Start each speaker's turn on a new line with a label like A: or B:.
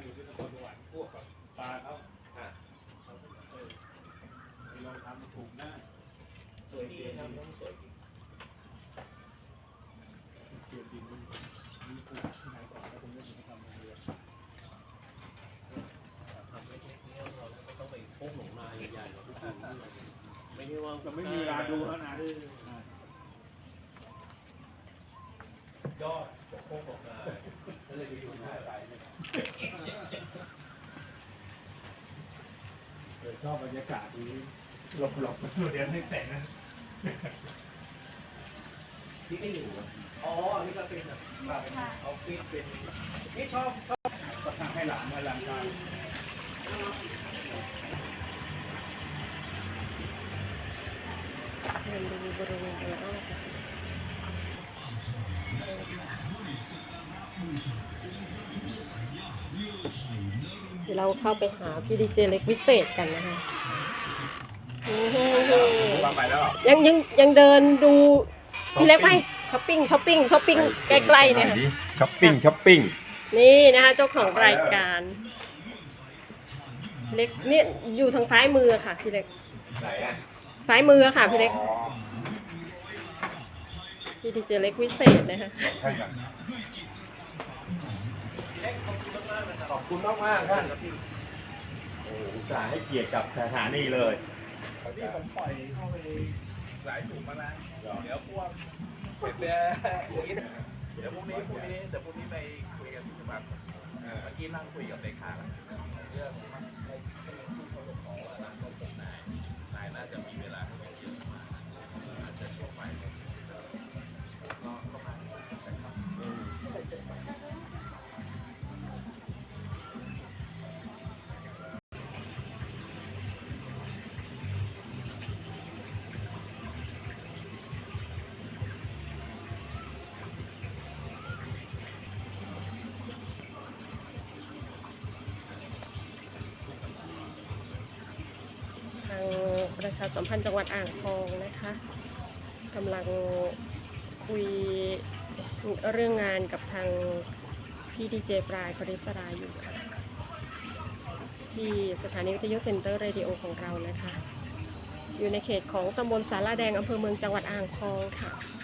A: อยู่ที่นครสวรรค์พวกกับปลาเขาเราทำถูกหน้าสวยดีทำต้องสวยดีเกี่ยวดินมีปลูกที่ไหนก่อนแล้วผมจะทำโรงเรียน
B: ทำเล็กๆเนี่ยเราไม่ต้องไปพกหลงนาใหญ่ๆหรอกไม่ใช่ว่า
A: เราไม่มีเวลาดูแล้วนะ
B: ยอดพกหลงนาก็เลยไปอยู่หน้าไร
A: ชอบบรรยากาศนี้หลบๆเดี๋ยวไม่แต่งนะ
B: ที่ไม่อยู่อ๋อนี่ก็เป็นแบบเอาฟิตเป็นนี่ชอบ
A: ก็ทำให้หลานมาหลังการ
C: เดินดูบริเวณโดยรอบเดี๋ยวเราเข้าไปหาพี่ดีเจเล็กพิเศษกันนะคะยังเดินดูพี่เล็กไปช้อปปิ้งใกล้ๆเนี่ย
A: ช้อปปิ้ง
C: นี่นะคะเจ้าของรายการเล็กเนี่ยอยู่ทางซ้ายมือค่ะพี่เล็กซ้ายมือค่ะพี่เล็กพี่ดีเจเล็กพิเศษนะคะ
A: ขอบคุณมากท่านโอ้จ่าให้เกียรติกับสถานีเลยที่ผมปล่อยเข้าไปหลายถุงมาแล้วเดี๋ยวพวกเดี๋ยวพรุ่งนี้ไปคุยกันที่จังหวัดเมื่อกี้นั่งคุยกับเลขาเรื่องนายน่าจะมีเวลาเยอะมากอาจจะช่วงบ่ายก็ประมาณนะครับ
C: ทางประชาสัมพันธ์จังหวัดอ่างทองนะคะกำลังคุยเรื่องงานกับทางพี่ดีเจปลายคริสราอยู่ค่ะที่สถานีวิทยุเซ็นเตอร์เรดิโอของเรานะคะอยู่ในเขตของตำบลสาราแดงอำเภอเมืองจังหวัดอ่างทองค่ะ